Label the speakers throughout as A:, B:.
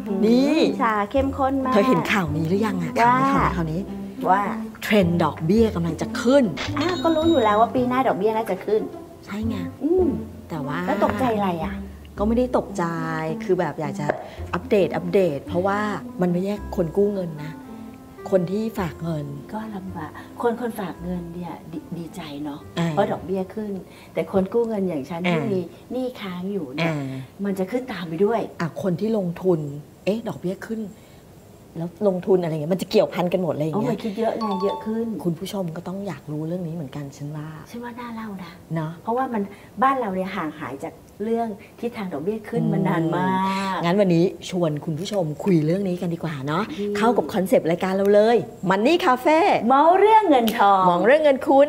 A: นี่
B: ชาเข้มข้นมาก
A: เธอเห็นข่าวนี้หรือยังอะข่าวนี้
B: ว่า
A: เทรนด์ดอกเบี้ยกำลังจะขึ้น
B: ก็รู้อยู่แล้วว่าปีหน้าดอกเบี้ยน่าจะขึ้น
A: ใช่ไงแต่ว่า
B: แล้วตกใจอะไรอ่ะ
A: ก็ไม่ได้ตกใจคือแบบอยากจะอัปเดตเพราะว่ามันไม่ใช่คนกู้เงินนะคนที่ฝากเงิน
B: ก็ลำบากคนฝากเงินเนี่ยดีใจเนาะเพราะดอกเบี้ยขึ้นแต่คนกู้เงินอย่างฉันที่มีหนี้ค้างอยู่เนี่ยมันจะขึ้นตามไปด้วย
A: คนที่ลงทุนดอกเบี้ยขึ้นแล้วลงทุนอะไรเงี้ยมันจะเกี่ยวพันกันหมดอะไรอย่างเงี้ย
B: มันคิดเยอะไงเยอะขึ้น
A: คุณผู้ชมก็ต้องอยากรู้เรื่องนี้เหมือนกันฉันว่า
B: น่าเล่านะ
A: เนาะ
B: เพราะว่ามันบ้านเราเนี่ยห่างหายจากเรื่องที่ทางดอกเบี้ยขึ้นมานานมาก
A: งั้นวันนี้ชวนคุณผู้ชมคุยเรื่องนี้กันดีกว่าเนาะเข้ากับคอนเซปต์รายการเราเลยมันนี่คาเฟ่
B: เมาเรื่องเงินทอง
A: มองเรื่องเงินคุณ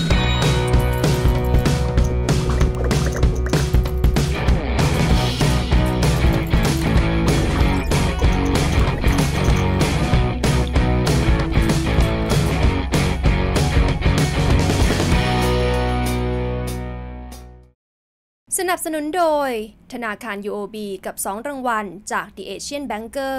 C: สนับสนุนโดยธนาคาร UOB กับ2รางวัลจาก The Asian Banker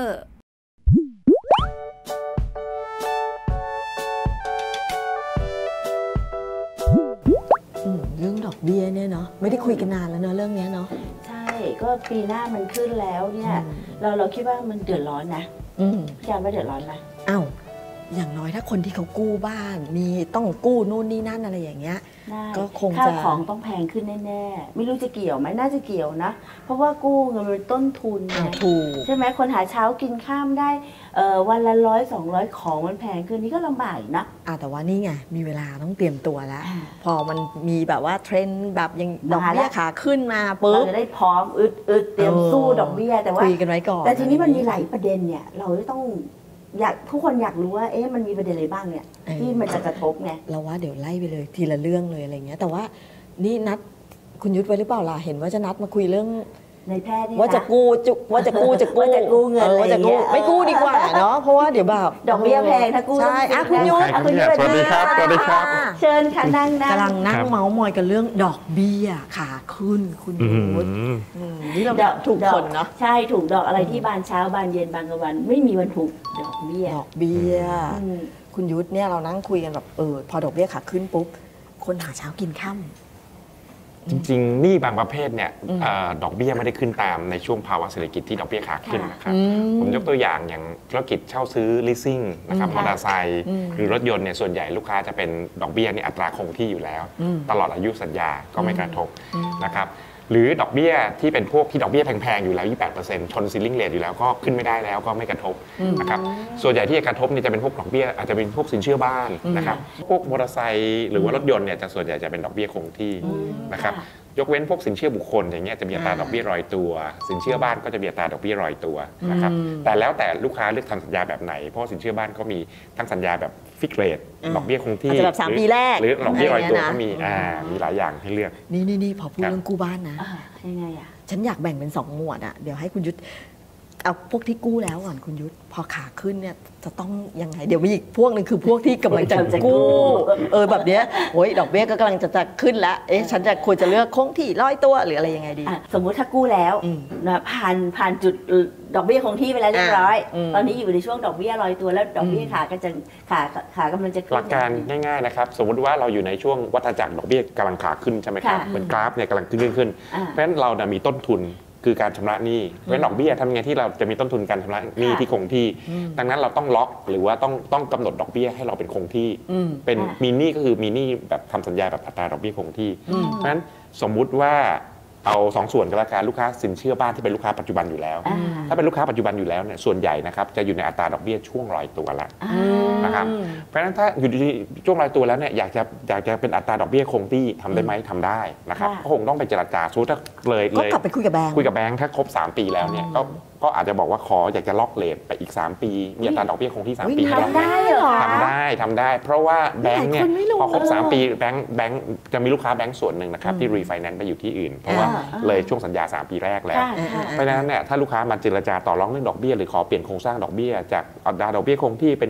A: เรื่องดอกเบี้ยเนี่ยเนาะไม่ได้คุยกันนานแล้วเนาะเรื่องนี้เนาะ
B: ใช่ก็ปีหน้ามันขึ้นแล้วเนี่ยเราคิดว่ามันเดือดร้อนนะพี่อาร์มว่าเดือดร้อนไหม
A: อย่างน้อยถ้าคนที่เขากู้บ้านมีต้องกู้นู่นนี่นั่นอะไรอย่างเงี้ยก็คงจะ
B: ข้าวของต้องแพงขึ้นแน่ๆไม่รู้จะเกี่ยวไหมน่าจะเกี่ยวนะเพราะว่ากู้เงินเป็นต้นทุน
A: ถูก
B: ใช่ไหมคนหาเช้ากินข้ามได้วันละ100-200ของมันแพงขึ้นนี่ก็ลำบากนะ
A: แต่ว่านี่ไงมีเวลาต้องเตรียมตัวแล้วพอมันมีแบบว่าเทรนด์แบบยังดอกเบี้ยขาขึ้นมาปุ๊บ
B: เราจะได้พร้อมอึดเตรียมสู้ดอกเบี้ยแต่ว่า
A: คุยกันไว้ก่อน
B: แต่ทีนี้มันมีหลายประเด็นเนี่ยเราต้องทุกคนอยากรู้ว่ามันมีประเด็นอะไรบ้างเนี่ยที่มันจะกระทบไง
A: เราว่าเดี๋ยวไล่ไปเลยทีละเรื่องเลยอะไรเงี้ยแต่ว่านี่นัดคุณยุทธไว้หรือเปล่าล่ะเห็นว่าจะนัดมาคุยเรื่อง
B: ในแพทย์
A: ว่าจะกู้ว่าจะกู้
B: เงิน
A: ว่าจะกู้ไม่กู้ดีกว่าเนาะเพราะว่าเดี๋ยวแบบ
B: ดอกเบี้ยแพงถ้ากู้
A: ใช่คุณยุทธ
D: สวัสดีครับ
B: เชิญค่ะนั่ง
A: กำลังนั่งเมาส์มอยกันเรื่องดอกเบี้ยขาขึ้นคุณยุทธนี่เราถูกคนเนาะ
B: ใช่ถูกดอกอะไรที่บานเช้าบานเย็นบานกลางวันไม่มีวันถูกดอกเบี้ย
A: คุณยุทธเนี่ยเรานั่งคุยกันแบบพอดอกเบี้ยขาขึ้นปุ๊บคนหาเช้ากินค่ำ
D: จริงๆหนี้บางประเภทเนี่ยดอกเบี้ยไม่ได้ขึ้นตามในช่วงภาวะเศรษฐกิจที่ดอกเบี้ยขาขึ้นนะครับผมยกตัวอย่างธุรกิจเช่าซื้อ leasing นะครับมอเตอร์ไซค์หรือรถยนต์เนี่ยส่วนใหญ่ลูกค้าจะเป็นดอกเบี้ยนี่อัตราคงที่อยู่แล้วตลอดอายุสัญญาก็ไม่กระทบนะครับหรือดอกเบี้ยที่เป็นพวกที่ดอกเบี้ยแพงๆอยู่แล้ว 28% ชนซีลิ่งเรทอยู่แล้วก็ขึ้นไม่ได้แล้วก็ไม่กระทบนะครับส่วนใหญ่ที่จะกระทบนี่จะเป็นพวกดอกเบี้ยอาจจะเป็นพวกสินเชื่อบ้านนะครับพวกมอเตอร์ไซค์หรือว่ารถยนต์เนี่ยจะส่วนใหญ่จะเป็นดอกเบี้ยคงที่นะครับยกเว้นพวกสินเชื่อบุคคลอย่างเงี้ยจะมีอัตราดอกเบี้ยรอยตัวสินเชื่อบ้านก็จะมีอัตราดอกเบี้ยรอยตัวนะครับแต่แล้วแต่ลูกค้าเลือกทำสัญญาแบบไหนเพราะสินเชื่อบ้านก็มีทั้งสัญญาแบบฟิกเรทดอกเบี้ยคงที่
A: แบบ3 ปีแรก
D: หรือดอกเบี้ยรอยตัวก็มีหลายอย่างให้เลือก
A: นี่พอพูดเรื่องกู้บ้านนะ
B: ยังไง
A: ฉันอยากแบ่งเป็น2 หมวดเดี๋ยวให้คุณยุทธเอาพวกที่กู้แล้วก่อนคุณยุทธพอขาขึ้นเนี่ยจะต้องยังไงเดี๋ยวมีอีกพวกนึงคือพวกที่กำลังจะกู้แบบเนี้ยโอ้ยดอกเบี้ยก็กำลังจะขึ้นแล้วฉันจะควรจะเลือกคงที่100 ตัวหรืออะไรยังไงดี
B: สมมุติถ้ากู้แล้วนะผ่านจุดดอกเบี้ยคงที่ไปแล้วเรียบร้อยตอนนี้อยู่ในช่วงดอกเบี้ย100 ตัวแล้วดอกเบี้ยขากำลังจะขึ้น
D: หลักการง่ายๆนะครับสมมติว่าเราอยู่ในช่วงวัฏจักรดอกเบี้ยกำลังขาขึ้นใช่ไหมครับเหมือนกราฟเนี่ยกำลังขึ้นเพราะฉะนั้นเรามีต้นทุนคือการชำระหนี้เพราะดอกเบี้ยทำไงที่เราจะมีต้นทุนการชำระหนี้ที่คงที่ดังนั้นเราต้องล็อกหรือว่าต้องกำหนดดอกเบี้ยให้เราเป็นคงที่เป็นมีหนี้ก็คือมีหนี้แบบทำสัญญาแบบอัตราดอกเบี้ยคงที่เพราะฉะนั้นสมมุติว่าเอา2 ส่วนก็แล้วกันลูกค้าสินเชื่อบ้านที่เป็นลูกค้าปัจจุบันอยู่แล้วถ้าเป็นลูกค้าปัจจุบันอยู่แล้วเนี่ยส่วนใหญ่นะครับจะอยู่ในอัตราดอกเบี้ยช่วงรอยตัวแล้วนะครับเพราะฉะนั้นถ้าอยู่ในช่วงรอยตัวแล้วเนี่ยอยากจะเป็นอัตราดอกเบี้ยคงที่ทำได้ไหมทำได้นะครับก็คงต้องไปเจรจาถ้าเลย
A: ก็กลับไปคุยกับแบงค์
D: ถ้าครบ3 ปีแล้วเนี่ยก็อาจจะบอกว่าอยากจะล็อกเรทไปอีก3 ปีมีอัตราดอกเบี้ยคงที่3 ปี
B: ทำได้เหรอ
D: ทำได้เพราะว่าแบงค์เนี่ยพอครบ3 ปีแบงค์จะมีลูกค้าแบงค์ส่วนหนึ่งนะครับที่รีไฟแนนซ์ไปอยู่ที่อื่นเพราะว่าเลยช่วงสัญญา3 ปีแรกแล้วเพราะฉะนั้นเนี่ยถ้าลูกค้ามาเจรจาต่อรองเรื่องดอกเบี้ยหรือขอเปลี่ยนโครงสร้างดอกเบี้ยจากอัตราดอกเบี้ยคงที่เป็น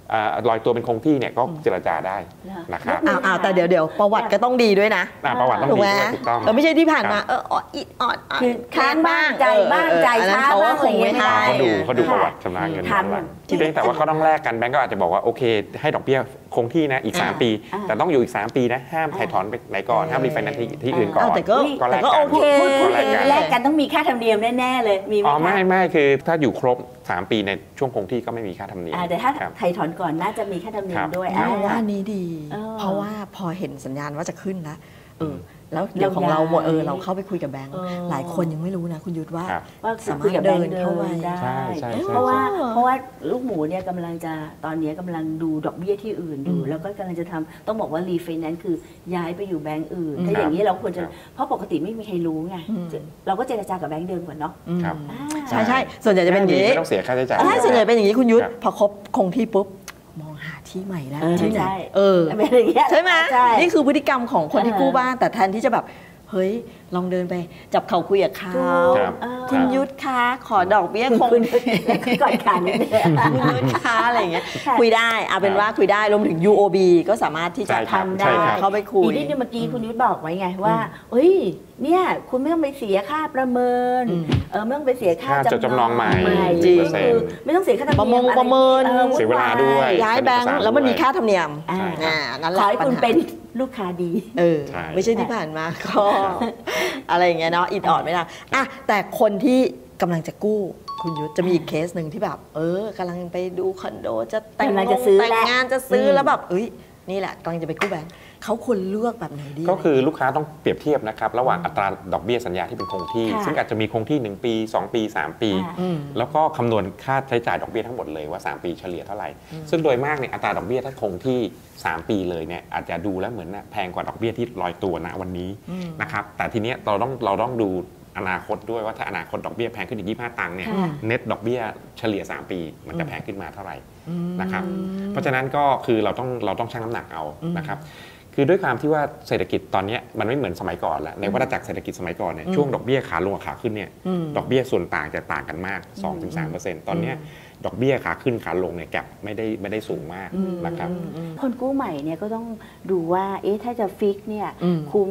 D: ลอยตัวเป็นคงที่เนี่ยก็เจรจาได้นะครับ
A: อ้าวแต่เดี๋ยวประวัติก็ต้องดีด้วยนะ
D: ประวัติต้อง
A: ถูก
D: ดี
A: ไหม
D: ด้วยถูกต้อง
A: ไม่ใช่ที่ผ่านมาอิดออด
B: คือค้างบ้างใจบ้างใจช้าบ้างอะไรอย่างเงี้ยไม่ได้
D: เขาดูประวัติชำระเงินย้อนหลังเพียงแต่ว่าเขาต้องแลกกันแบงก์ก็อาจจะบอกว่าโอเคให้ดอกเบี้ยคงที่นะอีก3 ปี แต่ต้องอยู่อีก3 ปีนะห้ามถ่ายถอนไปไหนก่อนห้ามรีไฟแนนซ์ที่อื่นก่อน
A: แต่ก็
D: แลก
A: โอ
D: กัน
A: เค
B: พูดอย่างนี้แลกกันต้องมีค่าธรรมเนียมแน่ๆเลยมีไหม
D: อ๋อ
B: คะ
D: ไม่คือถ้าอยู่ครบ3 ปีในช่วงคงที่ก็ไม่มีค่าธรรมเนียม
B: แต่ถ้า
D: ครับ
B: ไถ่ถอนก่อนน่าจะมีค่าธรรมเนียมด้วย
A: ว่านี้ดี เพราะว่าพอเห็นสัญญาณว่าจะขึ้นแล้วแล้วเดี๋ยวของเราหมดเราเข้าไปคุยกับแบงค์หลายคนยังไม่รู้นะคุณยุทธว่าสามารถเดินเข้าไป
B: ได้
D: ใช่
B: เพราะว่าลูกหมูเนี่ยกำลังจะตอนนี้กำลังดูดอกเบี้ยที่อื่นอยู่แล้วก็กำลังจะทำต้องบอกว่ารีไฟแนนซ์คือย้ายไปอยู่แบงก์อื่นถ้าอย่างนี้เราควรจะเพราะปกติไม่มีใครรู้ไงเราก็เจรจากับแบงก์เดิมก่อนเนาะ
A: ใช่ส่วนใหญ่จะเป็นอย่างนี้
D: ไม่ต้องเสียค่าใช้จ่าย
A: ใช่ส่วนใหญ่เป็นอย่างนี้คุณยุทธพอครบคงที่ปุ๊บมองหาที่ใหม่แล้วที่ไหนใช่ไหมนี่คือพฤติกรรมของคนที่กู้บ้านแต่แทนที่จะแบบเฮ้ยลองเดินไปจับเข่าคุยกับเขาคุณยุทธคะขอดอกเบี้ยคง
B: ก่อนขันนี่
A: คุณยุทธคะอะไรอย่างเงี้ยคุยได้เอาเป็นว่าคุยได้รวมถึง UOB ก็สามารถที่จะทำได้เข้าไปคุย
B: อีกนิดนึงเมื่อกี้คุณยุทธบอกไว้ไงว่าเฮ้ยเนี่ยคุณไม่ต้องไปเสียค่าประเมินไม่ต้องไปเสียค่า
D: จำนองใหม่
B: ไม่ต้องเสียค่าธรรมเนียม
A: ประเมิน
D: เสียเวลาด้วย
A: ย้ายแบงค์แล้วมันมีค่าธรรมเนียมนั่นแหละ
B: ขอให้คุณเป็นลูกค้าดี
A: ไม่ใช่ที่ผ่านมาก็อะไรอย่างเงี้ยเนาะอิดออดไม่ได้แต่คนที่กำลังจะกู้คุณยุทธจะมีอีกเคสหนึ่งที่แบบกำลังไปดูคอนโดจะแต่งงานจะซื้อแล้วแบบนี่แหละกำลังจะไปกู้แบงค์เขาควรเลือกแบบไหนดี
D: ก็คือลูกค้าต้องเปรียบเทียบนะครับระหว่างอัตราดอกเบี้ยสัญญาที่เป็นคงที่ซึ่งอาจจะมีคงที่1 ปี2 ปี 3 ปีแล้วก็คำนวณค่าใช้จ่ายดอกเบี้ยทั้งหมดเลยว่า3 ปีเฉลี่ยเท่าไหร่ซึ่งโดยมากเนี่ยอัตราดอกเบี้ยถ้าคงที่3 ปีเลยเนี่ยอาจจะดูแล้วเหมือนแพงกว่าดอกเบี้ยที่ลอยตัวณวันนี้นะครับแต่ทีเนี้ยเราต้องดูอนาคตด้วยว่าถ้าอนาคตดอกเบี้ยแพงขึ้นอีก25 ตังค์เนี่ยเน็ตดอกเบี้ยเฉลี่ย3 ปีมันจะแพงขึ้นมาเท่าไหร่นะครับเพราะฉะนั้นก็คือเราต้องชั่งน้ำหนักเอานะครับคือด้วยความที่ว่าเศรษฐกิจตอนนี้มันไม่เหมือนสมัยก่อนแล้วในวัฏจักรเศรษฐกิจสมัยก่อนเนี่ยช่วงดอกเบี้ยขาลงขาขึ้นเนี่ยดอกเบี้ยส่วนต่างจะต่างกันมาก 2-3% ตอนนี้ดอกเบี้ยขาขึ้นขาลงเนี่ยแกลบไม่ได้สูงมากนะครับ
B: คนกู้ใหม่เนี่ยก็ต้องดูว่าถ้าจะฟิกเนี่ยคุ้ม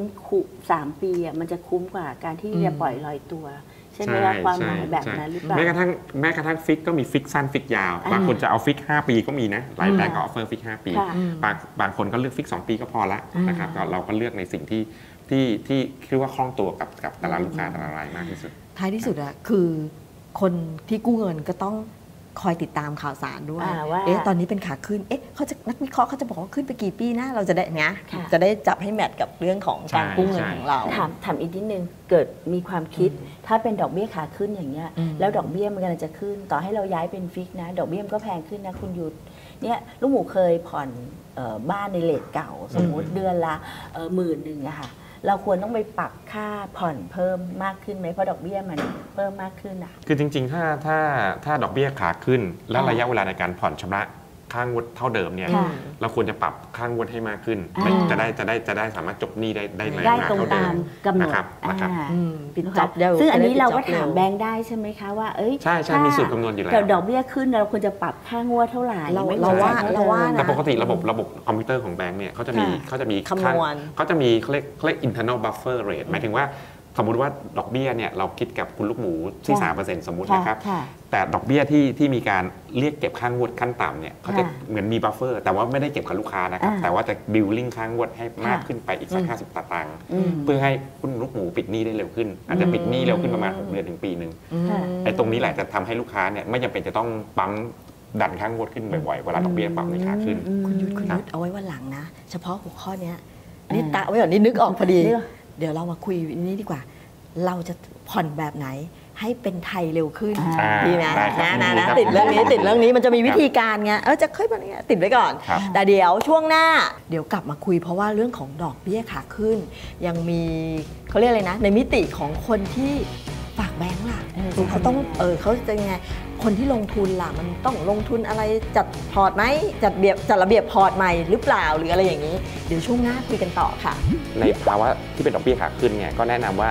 B: 3 ปีมันจะคุ้มกว่าการที่จะปล่อยลอยตัวใช่ไหมว่าความหมายแบบนั้นหรือเปล่า
D: แม้กระทั่งฟิกก็มีฟิกสั้นฟิกยาวบางคนจะเอาฟิก5 ปีก็มีนะหลายแบงก์ก็ออฟเฟอร์ฟิก5 ปีบางคนก็เลือกฟิก2 ปีก็พอละนะครับเราก็เลือกในสิ่งที่คิดว่าคล่องตัวกับแต่ละลูกค้าแต่ละรายมากที่สุด
A: ท้ายที่สุดอะคือคนที่กู้เงินก็ต้องคอยติดตามข่าวสารด้วยตอนนี้เป็นขาขึ้นเขาจะนักวิเคราะห์เขาจะบอกว่าขึ้นไปกี่ปีนะเราจะได้จะได้จับให้แมทกับเรื่องของการกู้เงินของเรา
B: ถามอีกนิดนึงเกิดมีความคิดถ้าเป็นดอกเบี้ยขาขึ้นอย่างเงี้ยแล้วดอกเบี้ยมันกำลังจะขึ้นต่อให้เราย้ายเป็นฟิกนะดอกเบี้ยมันก็แพงขึ้นนะคุณยุทธเนี่ยลูกหมูเคยผ่อนบ้านในเรทเก่าสมมุติเดือนละ10,000อะค่ะเราควรต้องไปปรับค่าผ่อนเพิ่มมากขึ้นไหมเพราะดอกเบี้ยมันเพิ่มมากขึ้นอ่ะ
D: คือจริงๆถ้าดอกเบี้ยขาขึ้นแล้วระยะเวลาในการผ่อนชำระค่างวดเท่าเดิมเนี่ยเราควรจะปรับค่างวดให้มากขึ้นจะได้สามารถจบหนี้ได้ในเวลาเท่าเดิมนะครับ
B: ซึ่งอันนี้เราก็ถามแบงค์ได้ใช่ไหมคะว่า
D: ใช่มีสูตรคำนวณอยู่แล้ว
B: ดอกเบี้ยขึ้นเราควรจะปรับค่างวดเท่าไหร่
A: เราว่า
D: แต่ปกติระบบคอมพิวเตอร์ของแบงค์เนี่ยเขาจะมี
A: คำนวณ
D: เขาจะมีเขาเรียก internal buffer rate หมายถึงว่าสมมุติว่าดอกเบี้ยเนี่ยเราคิดกับคุณลูกหมูที่ 3% สมมุตินะครับแต่ดอกเบี้ยที่มีการเรียกเก็บค่างวดขั้นต่ำเนี่ยเขาจะเหมือนมีบัฟเฟอร์แต่ว่าไม่ได้เก็บกับลูกค้านะครับแต่ว่าจะบิลลิ่งค่างวดให้มากขึ้นไปอีกสัก50 ตังค์เพื่อให้คุณลูกหมูปิดหนี้ได้เร็วขึ้นอาจจะปิดหนี้เร็วขึ้นประมาณ6 เดือนถึงปีนึงไอ้ตรงนี้แหละจะทำให้ลูกค้าเนี่ยไม่จำเป็นจะต้องปั๊มดันค่างวดขึ้นบ่อยๆเวลาดอกเบี้ยปรับในขาขึ้น
A: คุณยุทธเอาไว้วันหลังนะเฉพาะหัวข้อนี้นี่ตะไว้ก่อนนี่นึกออกพอดีเดี๋ยวเรามาคุยนี้ดีกว่าเราจะผ่อนแบบไหนให้เป็นไทยเร็วขึ้นดีไหมนะติดเรื่องนี้มันจะมีวิธีการไงจะค่อยแบบนี้ติดไว้ก่อนแต่เดี๋ยวช่วงหน้าเดี๋ยวกลับมาคุยเพราะว่าเรื่องของดอกเบี้ยขาขึ้นยังมีเขาเรียกอะไรนะในมิติของคนที่ฝากแบงก์ล่ะเขาต้องเขาจะยังไงคนที่ลงทุนล่ะมันต้องลงทุนอะไรจัดพอร์ตไหมจัดระเบียบพอร์ตใหม่หรือเปล่าหรืออะไรอย่างนี้เดี๋ยวช่วงหน้าคุยกันต่อค่ะ
D: ในภาวะที่เป็นดอกเบี้ยขาขึ้นเนี่ยก็แนะนำว่า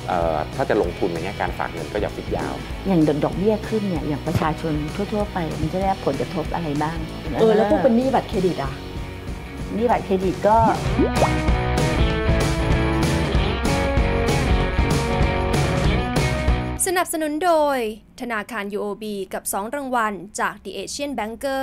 D: ถ้าจะลงทุนในแง่การฝากเงินก็อย่าฟิกยาว
B: อย่างดอกเบี้ยขึ้นเนี่ยอย่างประชาชนทั่วๆไปมันจะได้รับผลกระทบอะไรบ้าง
A: แล้วพวกเป็นหนี้บัตรเครดิตอ่ะ
B: หนี้บัตรเครดิตก็
C: สนับสนุนโดยธนาคาร UOB กับ 2 รางวัลจาก The Asian Banker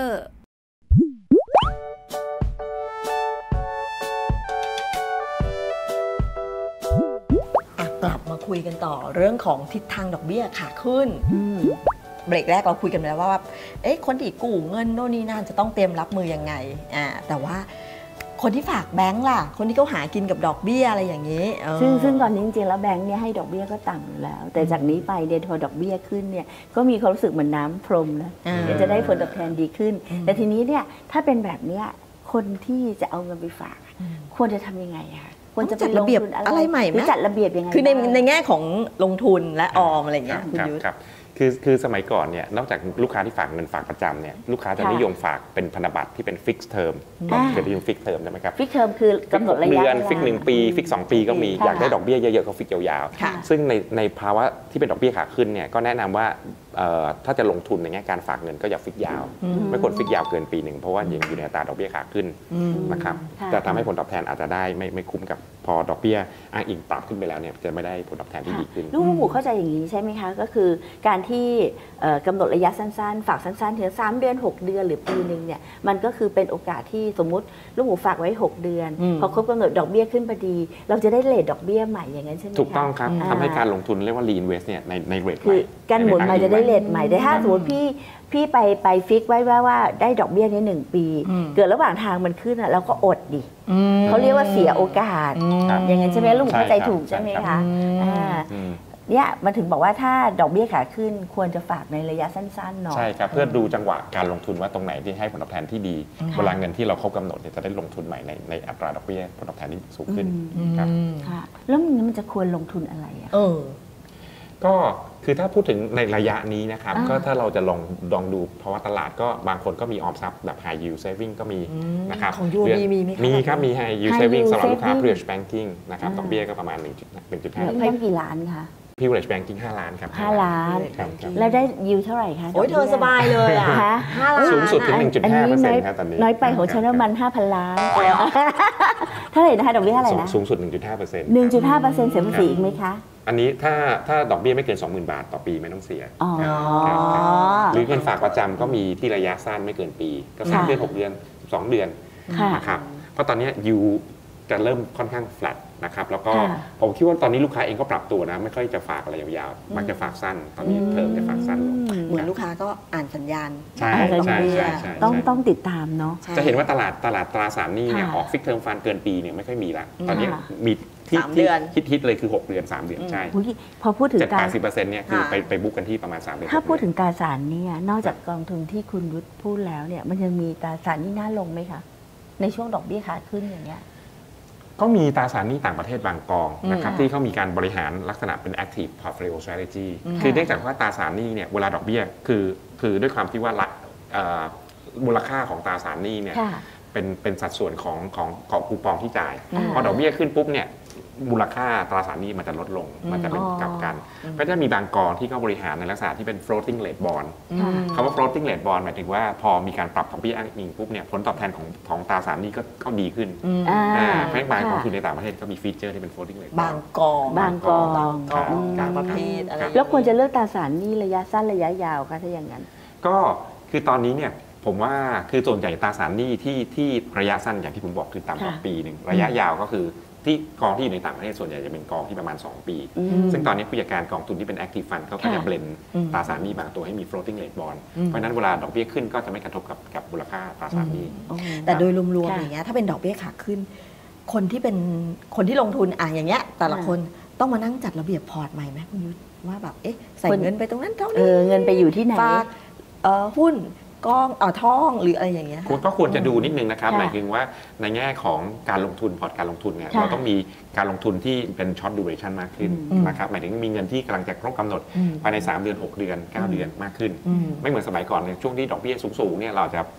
A: กลับมาคุยกันต่อเรื่องของทิศทางดอกเบี้ยขาขึ้นเบรกแรกเราคุยกันไปแล้วว่าคนที่กู้เงินโน่นนี่นั่นจะต้องเตรียมรับมือยังไงแต่ว่าคนที่ฝากแบงก์ล่ะคนที่เขาหากินกับดอกเบี้ยอะไรอย่างนี้
B: ซึ่งตอนนี้จริงๆแล้วแบงก์เนี่ยให้ดอกเบี้ยก็ต่ำอยู่แล้วแต่จากนี้ไปเดี๋ยวพอดอกเบี้ยขึ้นเนี่ยก็มีความรู้สึกเหมือนน้ำพรมนะเดี๋ยวจะได้ผลตอบแทนดีขึ้นแต่ทีนี้เนี่ยถ้าเป็นแบบเนี้ยคนที่จะเอาเงินไปฝากควรจะทำยังไงคะควรจะ
A: จัดระเบียบอะไรใหม่ไหม
B: จัดระเบียบยังไง
A: คือในแง่ของลงทุนและออมอะไรอย่างเงี้ยคุณยุทธ
D: คือสมัยก่อนเนี่ยนอกจากลูกค้าที่ฝากเงินฝากประจำเนี่ยลูกค้าจะนิยมฝากเป็นพันธบัตรที่เป็นฟิกซ์เทอมเคยได้ยินฟิกซ์เทอมใช่ไหมครับ
B: ฟิกซ์เทอมคือกำหนดระยะเวลา
D: ฟิก1 ปีฟิก2 ปีก็มีอยากได้ดอกเบี้ยเยอะๆก็ฟิกยาวๆซึ่งในภาวะที่เป็นดอกเบี้ยขาขึ้นเนี่ยก็แนะนำว่าถ้าจะลงทุนในแง่การฝากเงินก็อย่าฟิกยาวไม่ควรฟิกยาวเกินปีหนึ่งเพราะว่ายังอยู่ในอัตราดอกเบี้ยขาขึ้นนะครับจะทำให้ผลตอบแทนอาจจะได้ไม่คุ้มกับพอดอกเบี้ยอ้างอิงปรับขึ้นไปแล้วเนี่ยจะไม่ได้ผลตอบแทนที่ดีขึ้น
B: ลูกหมูเข้าใจอย่างนี้ใช่ไหมคะก็คือการที่กำหนดระยะสั้นๆฝากสั้นๆถึง3 เดือน 6 เดือนหรือปีนึงเนี่ยมันก็คือเป็นโอกาสที่สมมุติลูกหมูฝากไว้6 เดือนพอครบกำหนดดอกเบี้ยขึ้นพอดีเราจะได้เรทดอกเบี้ยใหม่อย่างนั้นใช่ไหมคะ
D: ถูกต้องครับทำให้การลงทุนเรียกว่า reinvest เนี่ยในเรทใหม่
B: คือการหมุนใหม่จะได้เรทใหม่แต่ถ้าสมมติพี่ไปฟิกไว้ว่าได้ดอกเบี้ยนี้1 ปีเกิดระหว่างทางมันขึ้นเราก็อดดิเขาเรียกว่าเสียโอกาสอย่างนั้นใช่ไหมลูกเข้าใจถูกใช่ไหมคะเนี่ยมันถึงบอกว่าถ้าดอกเบี้ยขาขึ้นควรจะฝากในระยะสั้นๆเนาะ
D: ใช่ครับเพื่อดูจังหวะการลงทุนว่าตรงไหนที่ให้ผลตอบแทนที่ดีเวลาเงินที่เราครบกำหนดจะได้ลงทุนใหม่ในอัตราดอกเบี้ยผลตอบแทนที่สูงขึ้นครับ
B: แล้วมันจะควรลงทุนอะไรอ่ะ
D: ก็คือถ้าพูดถึงในระยะนี้นะครับก็ถ้าเราจะลองดูเพราะว่าตลาดก็บางคนก็มีออมทรัพย์แบบ high yield saving ก็มีนะครับ
A: ของ UOB มีไหม
D: มีครับมี high yield saving สำหรับลูกค้า privilege banking นะครับดอกเบี้ยก็ประมาณ 1.5
B: ให้กี่ล้านคะ
D: privilege banking 5 ล้านครับ
B: 5 ล้านแล้วได้ยิวเท่าไหร่คะ
A: โอ้ยเธอสบายเลยอ่ะ5 ล้าน
D: สูงสุดถึง 1.5% ครับตอนนี้
B: น้อยไปของฉันมัน 5,000 ล้านเท่าไหร่นะคะดอกเบี้ยเท่าไหร่นะ
D: สูงสุด 1.5%
B: 1.5%เสียภาษีอีกไหมคะ
D: อันนี้ถ้าดอกเบี้ยไม่เกิน 20,000 บาทต่อปีไม่ต้องเสียหรือเงินฝากประจำก็มีที่ระยะสั้นไม่เกินปีก็3 เดือน 6 เดือน 12 เดือนนะครับเพราะตอนนี้ยูจะเริ่มค่อนข้าง flat นะครับแล้วก็ผมคิดว่าตอนนี้ลูกค้าเองก็ปรับตัวนะไม่ค่อยจะฝากอะไรยาวๆมักจะฝากสั้นตอนนี้เทอมจะฝากสั้นลง
A: เหมือนลูกค้าก็อ่านสัญญาณ
D: ใช่
B: ต้องติดตามเนาะ
D: จะเห็นว่าตลาดตราสารหนี้เนี่ยออกฟิกเทอมฟันเกินปีเนี่ยไม่ค่อยมีละตอนนี้มีที่ฮิตเลยคือ6 เดือน 3 เดือนใช่
B: พอพูดถึงการ
D: 80% เนี่ยคือไปบุ๊กกันที่ประมาณ3 เดือน
B: ถ้าพูดถึงตราสารเนี่ยนอกจากกองทุนที่คุณยุทธพูดแล้วเนี่ยมันยังมีตราสารหนี้น่าลงไหมคะในช่วงดอกเบี้ยขาขึ้นอย่างเงี้ย
D: ก็มีตราสารหนี้ต่างประเทศบางกองนะครับที่เขามีการบริหารลักษณะเป็น active portfolio strategy คือเนื่องจากว่าตราสารหนี้เนี่ยเวลาดอกเบี้ยคือด้วยความที่ว่ามูลค่าของตราสารหนี้เนี่ยเป็นสัดส่วนของคูปองที่จ่ายพอดอกเบี้ยขึ้นปุ๊บเนี่ยมูลค่าตราสารหนี้มันจะลดลงมันจะเป็นกลับกันก็จะมีบางกองที่เขาบริหารในลักษณะที่เป็น floating rate bond คำว่า floating rate bond หมายถึงว่าพอมีการปรับดอกเบี้ยอ้างอิงปุ๊บเนี่ยผลตอบแทนของตราสารหนี้ก็ดีขึ้นเพราะบางกองทุนในต่างประเทศก็มีฟีเจอร์ที่เป็น floating rate
A: บางกองประเภทอะไร
B: แล้วควรจะเลือกตราสารหนี้ระยะสั้นระยะยาวคะถ้าอย่างนั้น
D: ก็คือตอนนี้เนี่ยผมว่าคือส่วนใหญ่ตราสารหนี้ที่ระยะสั้นอย่างที่ผมบอกคือต่ำกว่าปีหนึ่งระยะยาวก็คือที่กองที่อยู่ในต่างประเทศส่วนใหญ่จะเป็นกองที่ประมาณ2 ปีซึ่งตอนนี้ผู้จัดการกองทุนที่เป็น active fund เขาก็จะเบลนตราสารหนี้บางตัวให้มี floating rate bond เพราะนั้นเวลาดอกเบี้ยขึ้นก็จะไม่กระทบกับมูลค่าตราสารหนี้
A: แต่โดยรวมๆอย่างเงี้ยถ้าเป็นดอกเบี้ยขาขึ้นคนที่ลงทุนอย่างเงี้ยแต่ละคนต้องมานั่งจัดระเบียบพอร์ตใหม่ไหมคุณยุทธว่าแบบใส่เงินไปตรงนั้นเท่านี้
B: เงินไปอยู่ที่ไหน
A: ฝากหุ้นกองท่องหรืออะไรอย่างเงี้ย
D: ก็ควรจะดูนิดนึงนะครับหมายถึงว่าในแง่ของการลงทุนพอร์ตการลงทุนเนี่ยเราต้องมีการลงทุนที่เป็นช็อตดูเรชั่นมากขึ้นนะครับหมายถึงมีเงินที่กำลังจะครบกำหนดภายใน3 เดือน 6 เดือน 9 เดือนมากขึ้นไม่เหมือนสมัยก่อนในช่วงที่ดอกเบี้ยสูงๆเนี่ยเราจะ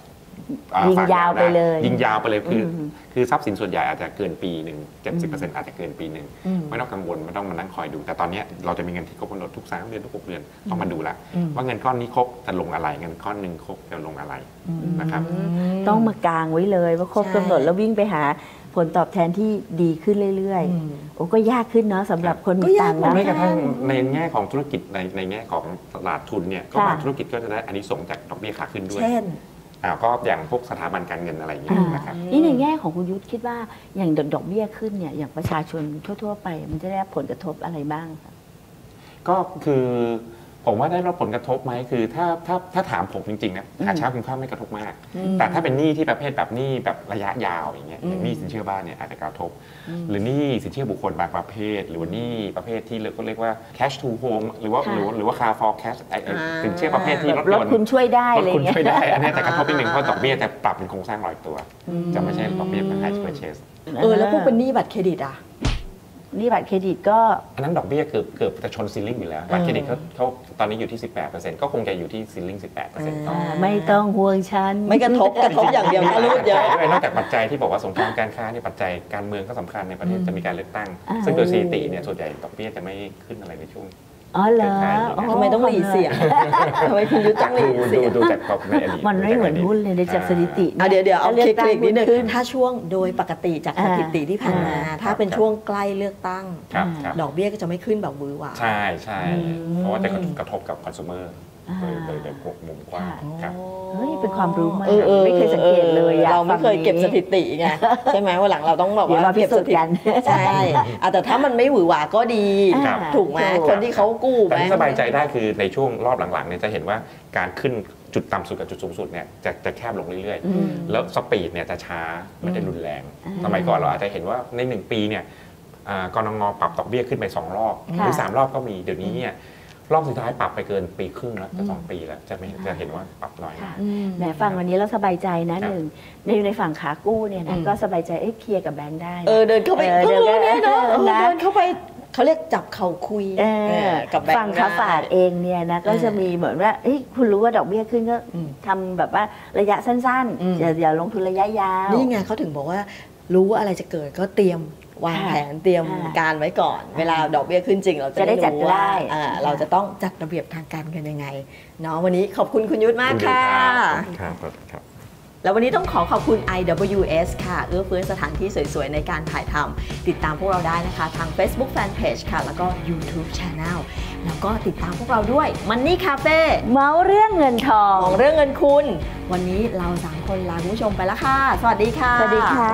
B: ยิงยาวไปเลย
D: ยิงยาวไปเลยคือทรัพย์สินส่วนใหญ่อาจจะเกินปีหนึ่ง70%อาจจะเกินปีหนึ่งไม่ต้องกังวลไม่ต้องมานั่งคอยดูแต่ตอนนี้เราจะมีเงินที่ครบกำหนดทุก3 เดือนทุก6 เดือนต้องมาดูละว่าเงินก้อนนี้ครบจะลงอะไรเงินก้อนหนึ่งครบจะลงอะไรนะครับ
B: ต้องมากางไว้เลยว่าครบกำหนดแล้ววิ่งไปหาผลตอบแทนที่ดีขึ้นเรื่อยๆโอ้ก็ยากขึ้นเนาะสำหรับคนมีตังค์นะ
D: ไม่กระทั่งในแง่ของธุรกิจในแง่ของตลาดทุนเนี่ยก็บางธุรกิจก็จะได้อานิสงส์จากดอกเบี้ยขาขึ้นด้วย
A: เช่น
D: ก็อย่างพวกสถาบันการเงินอะไรอย่างเงี้ยนะครับ
B: นี่ในแง่ของคุณยุทธคิดว่าอย่างดอกเบี้ยขึ้นเนี่ยอย่างประชาชนทั่วๆไปมันจะได้รับผลกระทบอะไรบ้างคะ
D: ก็คือผมว่าได้รับผลกระทบไหมคือถ้าถามผมจริงๆนะหาเช้ากินข้าวไม่กระทบมาก แต่ถ้าเป็นหนี้ที่ประเภทแบบหนี้แบบระยะยาวอย่างเงี้ยอย่างหนี้สินเชื่อบ้านเนี่ยอาจจะกระทบ หรือหนี้สินเชื่อบุคคลบางประเภท หรือว่าหนี้ประเภทที่เราก็เรียกว่า cash to home หรือว่า car for cash สินเชื่อประเภทที่รถ
B: ร
D: ย
B: ถ
D: นต์
B: คุณช่วยได้
D: ร
B: อะ
D: ถ
B: ไร
D: คุณ
B: เงี้ย
D: ช่วยได้อันนี้แต่กระทบนิดนึงเพราะดอกเบี้ยจะปรับเป็นโครงสร้างลอยตัวจะไม่ใช่ดอกเบี้ยเป็น high purchase
A: แล้วพวกเป็นหนี้บัตรเครดิตอ่ะ
B: นี่บัตรเครดิตก็
D: อันนั้นดอกเบี้ยเกือบจะชนซีลิ่งอยู่แล้วบัตรเครดิตเขาตอนนี้อยู่ที่ 18%ก็คงจะอยู่ที่ซีลิ่ง 18% ต่อ
B: ไม่ต้องห่วงฉัน
A: ไม่กระทบอย่างเดียวนะรูดเยอะ
D: ด้วยนอกจากปัจจัยที่บอกว่าสงครามการค้านี่ปัจจัยการเมืองก็สำคัญในประเทศจะมีการเลือกตั้ง ซึ่งโดยสถิติเนี่ยส่วนใหญ่ดอกเบี้ยจะไม่ขึ้นอะไรในช่วง
B: อ๋อเหรอ
A: ทำไมต้องหลีเสียงทำไมคุณยุทธต้องหลีเสียง
D: ดูจากในอดีต
B: มันไม่เหมือนหุ้นเลยในจากสถิติ
A: เดี๋ยวเอา
B: ลื
A: ค
B: กตั้ง
A: ลิกนิดนึง
B: ขึ้น
A: ถ้าช่วงโดยปกติจากสถิติที่ผ่านมา ถ้าเป็นช่วงใกล้เลือกตั้ง
D: ครับ
A: ดอกเบี้ยก็จะไม่ขึ้นแบบหวือหวา
D: ใช่เพราะว่าจะกระทบกับคอน sumer โดยมุมกว้างครับ
B: เฮ้ยเป็นความรู้ใหม่
A: ไม่
B: ไม่เคยสังเกตเลยอะ
A: เราไม่เคยเก็บสถิติไงใช่ไหมวันหลังเราต้องแบบ
B: เดี๋ยว
A: ว่า
B: มาพิ
A: เก็บ
B: สู
A: ส
B: จน์
A: ถิ
B: กั
A: ติ
B: น
A: ใช่แต่ถ้ามันไม่หวือหวาก็ดี
D: ครับ
A: ถูกไหมคนที่เขากู้
D: แต่
A: ไหม
D: ที่สบายใจได้คือในช่วงรอบหลังๆเนี่ยจะเห็นว่าการขึ้นจุดต่ำสุดกับจุดสูงสุดเนี่ยจะแคบลงเรื่อยๆ แล้วสปีดเนี่ยจะช้าไม่ได้รุนแรง สมัยก่อนเราอาจจะเห็นว่าใน1 ปีเนี่ยกนง.ปรับดอกเบี้ยขึ้นไป2 รอบหรือ3 รอบก็มีเดี๋ยวนี้เนี่ยรอบสุดท้ายปรับไปเกินปีครึ่งแล้วจะ2 ปีแล้วจะเห็นว่าปรับน้อยมาก
B: แหมฟังวันนี้แล้วสบายใจนะหนึ่งในฝั่งขากู้เนี่ยนะก็สบายใจเคลียร์กับแบงค์ได้นะ
A: เดินเข้าไป
B: เดิน
A: เดินเนาะ
B: นะ
A: เดินเข้าไปเขาเรียกจับเข่าคุยกับแบงค์
B: ฝั่งขาฝากเองเนี่ยนะก็จะมีเหมือนว่าคุณรู้ว่าดอกเบี้ยขึ้นก็ทำแบบว่าระยะสั้นๆอย่าลงทุนระยะยาว
A: นี่ไงเขาถึงบอกว่ารู้ว่าอะไรจะเกิดก็เตรียมวางแผนเตรียมการไว้ก่อน เวลาดอกเบี้ยขึ้นจริงเราจะได้รู้ว่าเราจะต้องจัดระเบียบทางการเงินยังไงเนาะวันนี้ขอบคุณคุณยุทธมากค่ะ
D: ครับ
A: แล้ววันนี้ต้องขอบคุณ IWS ค่ะเอื้อเฟื้อสถานที่สวยๆในการถ่ายทำติดตามพวกเราได้นะคะทาง Facebook Fanpage ค่ะแล้วก็ YouTube Channel แล้วก็ติดตามพวกเราด้วย Money Cafe
B: เมาเรื่องเงินทอง
A: ของเรื่องเงินคุณวันนี้เรา3 คนลาคุณผู้ชมไปแล้วค่ะ สวัสดีค่ะ
B: สวัสดีค่ะ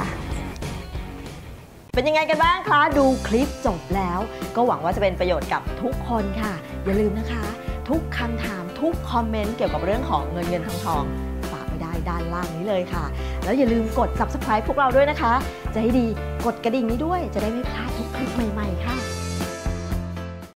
A: เป็นยังไงกันบ้างคะ ดูคลิปจบแล้ว ก็หวังว่าจะเป็นประโยชน์กับทุกคนค่ะ อย่าลืมนะคะ ทุกคำถามทุกคอมเมนต์เกี่ยวกับเรื่องของเงินทองฝากไว้ได้ด้านล่างนี้เลยค่ะ แล้วอย่าลืมกด Subscribe พวกเราด้วยนะคะ จะให้ดีกดกระดิ่งนี้ด้วยจะได้ไม่พลาดทุกคลิปใหม่ๆค่ะ